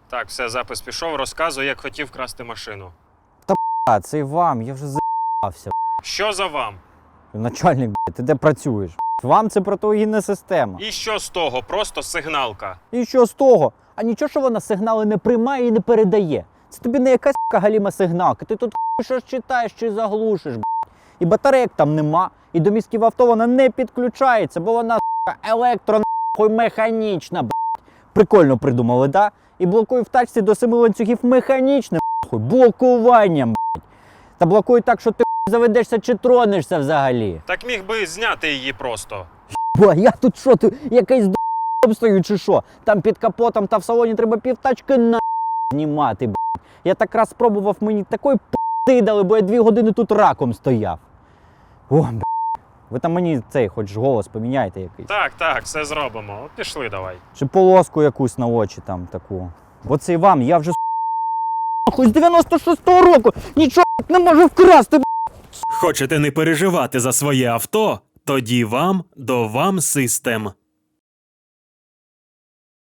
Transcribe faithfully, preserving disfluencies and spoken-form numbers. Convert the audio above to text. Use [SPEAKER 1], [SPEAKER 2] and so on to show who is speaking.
[SPEAKER 1] Так, все, запис пішов, розказуй, як хотів красти машину.
[SPEAKER 2] А, це й вам, я вже за***ався.
[SPEAKER 1] Що за вам?
[SPEAKER 2] Начальник, блядь, ти де працюєш? Вам це протиогінна система.
[SPEAKER 1] І що з того? Просто сигналка.
[SPEAKER 2] І що з того? А нічого, що вона сигнали не приймає і не передає. Це тобі не якась ***ка галіма сигналка. Ти тут щось читаєш чи заглушиш, блядь. І батарейок там нема, і до мізків авто вона не підключається, бо вона електро механічна, блядь. Прикольно придумали, да? І блокує в тачці до семи ланцюгів механічним, блядь, блокуванням, блядь. Та блокує так, що ти заведешся чи тронешся взагалі.
[SPEAKER 1] Так міг би зняти її просто.
[SPEAKER 2] Бо я тут що, ти якийсь д***ом стою чи що? Там під капотом та в салоні треба півтачки на знімати, блядь. Я так раз спробував, мені такої п***и дали, бо я дві години тут раком стояв. О, блядь. Ви там мені цей, хоч голос поміняйте якийсь.
[SPEAKER 1] Так, так, все зробимо. От пішли давай.
[SPEAKER 2] Чи полоску якусь на очі там таку. Бо це і вам, я вже хоч з дев'яносто шостого року нічого не можу вкрасти, блядь.
[SPEAKER 3] Хочете не переживати за своє авто? Тоді вам до вам систем.